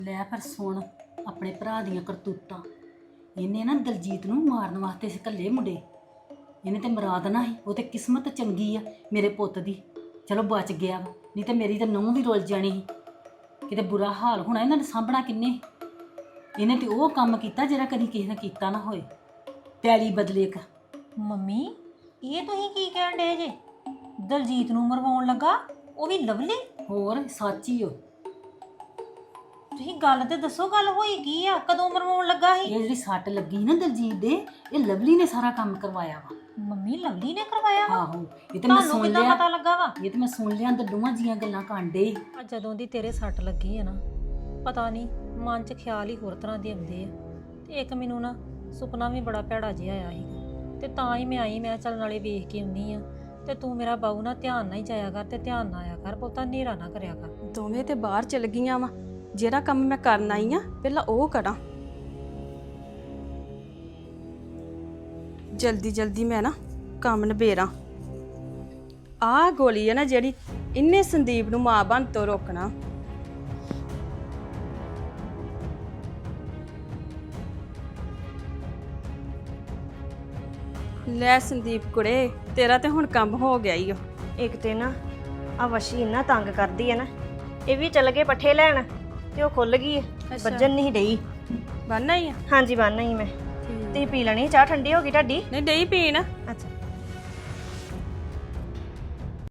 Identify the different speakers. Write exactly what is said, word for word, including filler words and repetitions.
Speaker 1: ਲੈ ਫਿਰ ਸੁਣ ਆਪਣੇ ਭਰਾ ਦੀਆਂ ਕਰਤੂਤਾਂ। ਇਹਨੇ ਨਾ ਦਲਜੀਤ ਨੂੰ ਮਾਰਨ ਵਾਸਤੇ ਸੀ ਘੱਲੇ ਮੁੰਡੇ। ਇਹਨੇ ਤੇ ਮੁਰਾਦ ਨਾ ਸੀ, ਉਹ ਤੇ ਕਿਸਮਤ ਚੰਗੀ ਆ ਮੇਰੇ ਪੁੱਤ ਦੀ, ਚਲੋ ਬਚ ਗਿਆ ਵਾ, ਨਹੀਂ ਤੇ ਮੇਰੀ ਤਾਂ ਨੂੰਹ ਵੀ ਰੁੱਲ ਜਾਣੀ ਸੀ। ਕਿਤੇ ਬੁਰਾ ਹਾਲ ਹੋਣਾ, ਇਹਨਾਂ ਨੇ ਸਾਂਭਣਾ ਕਿੰਨੇ। ਇਹਨੇ ਤੇ ਉਹ ਕੰਮ ਕੀਤਾ ਜਿਹੜਾ ਕਦੀ ਕਿਸੇ ਨੇ ਕੀਤਾ ਨਾ ਹੋਏ, ਪੈਲੀ ਬਦਲੇ ਇੱਕ।
Speaker 2: ਮੰਮੀ ਇਹ ਤੁਸੀਂ ਕੀ ਕਹਿਣ ਡੇ ਜੇ? ਦਲਜੀਤ ਨੂੰ ਮਰਵਾਉਣ ਲੱਗਾ, ਉਹ ਵੀ ਲਵਲੀ?
Speaker 1: ਹੋਰ ਸੱਚ ਹੀ ਹੋ।
Speaker 2: ਤੁਸੀਂ ਗੱਲ ਤੇ ਦੱਸੋ, ਗੱਲ ਹੋਈ ਕੀ ਆ? ਕਦੋਂ ਮਰਵਾਉਣ ਲੱਗਾ ਸੀ?
Speaker 1: ਇਹ ਜਿਹੜੀ ਸੱਟ ਲੱਗੀ ਨਾ ਦਲਜੀਤ ਦੇ, ਇਹ ਲਵਲੀ ਨੇ ਸਾਰਾ ਕੰਮ ਕਰਵਾਇਆ ਵਾ।
Speaker 2: ਮੰਮੀ ਲਵਲੀ ਨੇ ਕਰਵਾਇਆ ਵਾ?
Speaker 1: ਆਹੋ, ਇਹ ਤੇ ਮੈਂ
Speaker 2: ਤੁਹਾਨੂੰ
Speaker 1: ਸੁਣ
Speaker 2: ਕਿੱਦਾਂ
Speaker 1: ਲਿਆ।
Speaker 2: ਪਤਾ ਲੱਗਾ ਵਾ?
Speaker 1: ਇਹ ਤੇ ਮੈਂ ਸੁਣ ਲਿਆ, ਅੰਦਰ ਦੋਵਾਂ ਜੀਆਂ ਗੱਲਾਂ ਕਾਂਡੇ।
Speaker 2: ਆ ਜਦੋਂ ਦੀ ਤੇਰੇ ਸੱਟ ਲੱਗੀ ਆ ਨਾ, ਪਤਾ ਨਹੀਂ ਮਨ 'ਚ ਖਿਆਲ ਹੀ ਹੋਰ ਤਰ੍ਹਾਂ ਦੇ ਆਉਂਦੇ ਆ। ਤੇ ਇੱਕ ਮੈਨੂੰ ਨਾ ਸੁਪਨਾ ਵੀ ਬੜਾ ਭੈੜਾ ਜਿਹਾ ਆਇਆ ਸੀ, ਤੇ ਤਾਂ ਹੀ ਮੈਂ ਆਈ। ਮੈਂ ਚੱਲ ਨਾਲੇ ਵੇਖ ਕੇ ਆਉਂਦੀ ਆ, ਤੇ ਤੂੰ ਮੇਰਾ ਬਾਊ ਨਾ ਧਿਆਨ ਨਾਲ ਹੀ ਜਾਇਆ ਕਰ, ਤੇ ਧਿਆਨ ਨਾਲ ਆਇਆ ਕਰ, ਬਹੁਤਾ ਹਨੇਰਾ ਨਾ ਕਰਿਆ ਕਰ।
Speaker 3: ਦੋਵੇਂ ਤੇ ਬਾਹਰ ਚਲ ਗਈਆਂ ਵਾ, ਜਿਹੜਾ ਕੰਮ ਮੈਂ ਕਰਨ ਆਈ ਆ ਪਹਿਲਾਂ ਉਹ ਕਰਾਂ। ਜਲਦੀ ਜਲਦੀ ਮੈਂ ਨਾ ਕੰਮ ਨਿਬੇੜਾਂ। ਆਹ ਗੋਲੀ ਹੈ ਨਾ ਜਿਹੜੀ, ਇਹਨੇ ਸੰਦੀਪ ਨੂੰ ਮਾਂ ਬਣ ਤੋਂ ਰੋਕਣਾ। ਲੈ ਸੰਦੀਪ ਕੁੜੇ, ਤੇਰਾ ਤੇ ਹੁਣ ਕੰਮ ਹੋ ਗਿਆ ਈ ਓ।
Speaker 4: ਇੱਕ ਤੇ ਨਾ ਆ ਵਸ਼ੀ ਇੰਨਾ ਤੰਗ ਕਰਦੀ ਹੈ ਨਾ, ਇਹ ਵੀ ਚੱਲ ਗਏ ਪੱਠੇ ਲੈਣ ਤੇ ਉਹ ਖੁੱਲ ਗਈ ਹੈ, ਵੱਜਣ ਨਹੀਂ ਡਈ।
Speaker 3: ਬੰਨਾ ਹੀ ਆ?
Speaker 4: ਹਾਂਜੀ ਬੰਨ ਹੀ ਮੈਂ। ਤੁਸੀਂ ਪੀ ਲੈਣੀ ਚਾਹ? ਠੰਡੀ ਹੋ ਗਈ ਤੁਹਾਡੀ?
Speaker 3: ਨਹੀਂ ਡਈ ਪੀਣ।
Speaker 4: ਅੱਛਾ